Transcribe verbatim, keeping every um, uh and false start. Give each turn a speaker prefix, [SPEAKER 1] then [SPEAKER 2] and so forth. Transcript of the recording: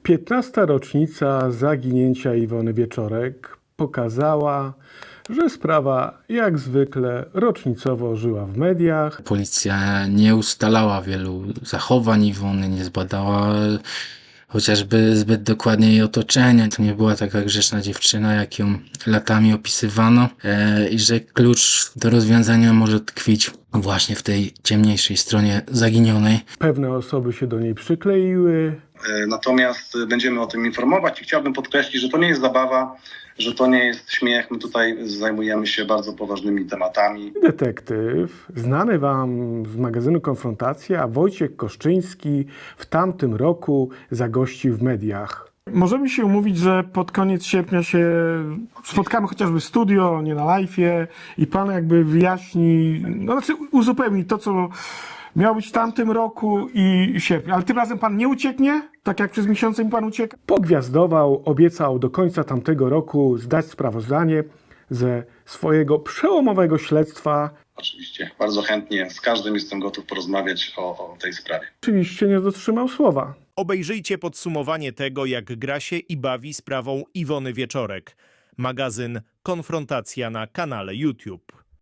[SPEAKER 1] piętnasta rocznica zaginięcia Iwony Wieczorek pokazała, że sprawa jak zwykle rocznicowo żyła w mediach.
[SPEAKER 2] Policja nie ustalała wielu zachowań Iwony, nie zbadała chociażby zbyt dokładnie jej otoczenia. To nie była taka grzeczna dziewczyna, jak ją latami opisywano, e, i że klucz do rozwiązania może tkwić właśnie w tej ciemniejszej stronie zaginionej.
[SPEAKER 1] Pewne osoby się do niej przykleiły.
[SPEAKER 3] Natomiast będziemy o tym informować i chciałbym podkreślić, że to nie jest zabawa, że to nie jest śmiech. My tutaj zajmujemy się bardzo poważnymi tematami.
[SPEAKER 1] Detektyw, znany wam z magazynu Konfrontacja, Wojciech Koszczyński w tamtym roku zagościł w mediach. Możemy się umówić, że pod koniec sierpnia się spotkamy chociażby w studio, nie na live'ie i pan jakby wyjaśni, no znaczy uzupełni to, co miało być w tamtym roku i sierpniu. Ale tym razem pan nie ucieknie, tak jak przez miesiące mi pan ucieka? Pogwiazdował, obiecał do końca tamtego roku zdać sprawozdanie ze swojego przełomowego śledztwa.
[SPEAKER 3] Oczywiście bardzo chętnie z każdym jestem gotów porozmawiać o, o tej sprawie.
[SPEAKER 1] Oczywiście nie dotrzymał słowa.
[SPEAKER 4] Obejrzyjcie podsumowanie tego, jak gra się i bawi sprawą Iwony Wieczorek. Magazyn Konfrontacja na kanale YouTube.